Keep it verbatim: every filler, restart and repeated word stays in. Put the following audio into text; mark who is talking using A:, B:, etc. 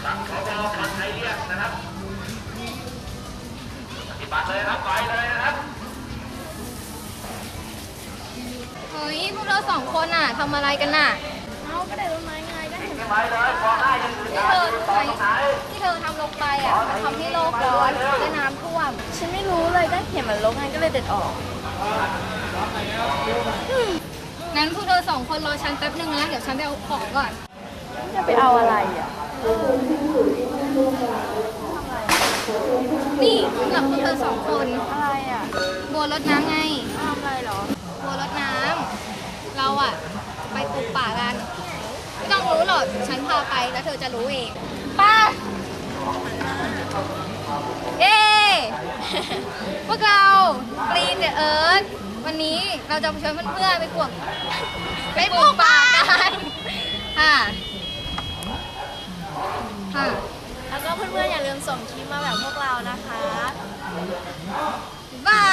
A: สั่งขบฟังใครเรียกนะครับปฏิบัติเลยครับไปเลยนะครับ
B: เฮ้ยพวกเราสองคนอ่ะทำอะไรกันน่ะ
C: เอาก็ได้ต้นไม้ไงก็เห็น
A: ไปเลยพอให้ยังอื่น
B: ที่เธอรู้ไหมที่เธอทำลงไปอ่ะมันทำให้โลกร้อนและน้ำท่วม
C: ฉันไม่รู้เลยก็เห็นมันลกไงก็เลยเด็ดออก
B: งั้นพวกเธอสองคนรอฉันแป๊บนึงนะเดี๋ยวฉันไปเอาของก่อน
C: จะไปเอาอะไรอ่ะ
B: นี่สำหรับพวกเธอสองคน
C: อะไรอ่ะ
B: บัวรดน้ำไง
C: ทำอะไรหรอ
B: บัวรดน้ำเราอ่ะไปปลูกป่ากันไม่ต้องรู้หรอกฉันพาไปแล้วเธอจะรู้เองป้าเย้ พวกเราปรีนเดอะเอิร์ธวันนี้เราจะไปชวนเพื่อนๆไปปลูกไปปลูกป่ากันค่ะค่ะ
C: แล้วก็เพื่อนๆอย่าลืมส่งคลิปมาแบบพวกเรานะคะ
B: บา